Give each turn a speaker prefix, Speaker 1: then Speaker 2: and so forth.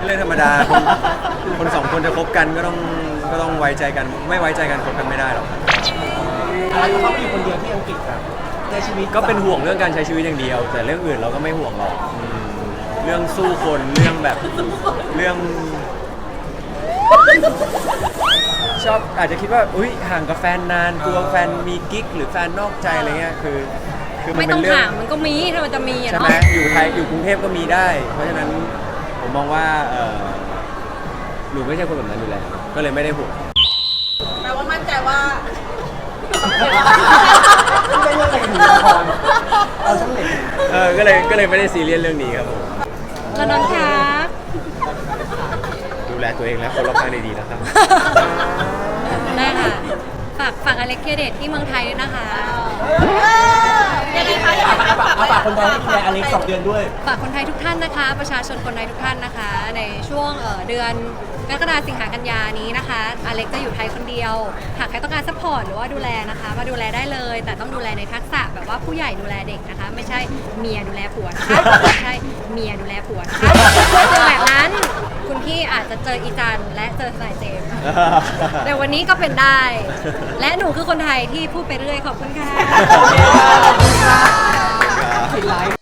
Speaker 1: เรื่องธรรมดาคนสองคนจะคบกันก็ต้องไว้ใจกันไม่ไว้ใจกันคบกันไม่ได้หรอก
Speaker 2: อะไรก็เขาอยู่คนเดียวที่อังกฤษครับในชีวิต
Speaker 1: ก็เป็นห่วงเรื่องการใช้ชีวิตอย่างเดียว แต่เรื่องอื่นเราก็ไม่ห่วงหรอกเรื่องสู้คนเรื่องแบบเรื่องชอบอาจจะคิดว่าอุ้ยห่างกับแฟนนานกลัวแฟนมีกิ๊กหรือแฟนนอกใจอะไรเงี้ยคือมัน
Speaker 3: ไม่
Speaker 1: เป็
Speaker 3: ต้อน ง
Speaker 1: เรื่อง
Speaker 3: ห่างมันก็มีถ้ามันจะมีอะ
Speaker 1: ใช่
Speaker 3: เนาะ
Speaker 1: ไหมอยู่ไทยอยู่กรุงเทพก็มีได้ เพราะฉะนั้นผมมองว่าหนูไม่ใช่คนแบบนั้นอยู่แล้วก็เลยไม่ได้ห่วง
Speaker 4: แปลว่ามั่นใจว่า
Speaker 2: ไม่ได้เรื่องอะไรถึงละครเอาช่างเด็ก
Speaker 1: ก็เลยไม่ได้ซีเรียสเรื่องนี้ครับผม
Speaker 3: แล้วนนท์ครับ
Speaker 1: ดูแลตัวเองและคนรอบข้างดีๆนะครับ
Speaker 3: ได้ค่ะฝากอเล็กเทียเดตที่เมืองไทยด้วยนะคะ
Speaker 4: ยังไงคะอยากให้ฝาก
Speaker 2: ฝากคนไทยให้ดูแลอเล็ก2 เดือนด้วย
Speaker 3: ฝากคนไทยทุกท่านนะคะ ประชาชนคนไทยทุกท่านนะคะ ในช่วงเดือนกรกฎาคมสิงหากันยานี้นะคะอเล็กจะอยู่ไทยคนเดียวหากใครต้องการซัพพอร์ตหรือว่าดูแลนะคะมาดูแลได้เลย แต่ต้องดูแลในทักษะแบบว่าผู้ใหญ่ดูแลเด็กนะคะ ไม่ใช่เมียดูแลผัวนะคะไม่ใช่เมียดูแลผัวนะคะถ้าเจอแบบนั้นคุณพี่อาจจะเจออีจันและเจอทนายเจมส์แต่วันนี้ก็เป็นได้ และหนูคือคนไทยที่พูดไปเรื่อยขอบคุณค่ะ
Speaker 2: ปิดไลฟ์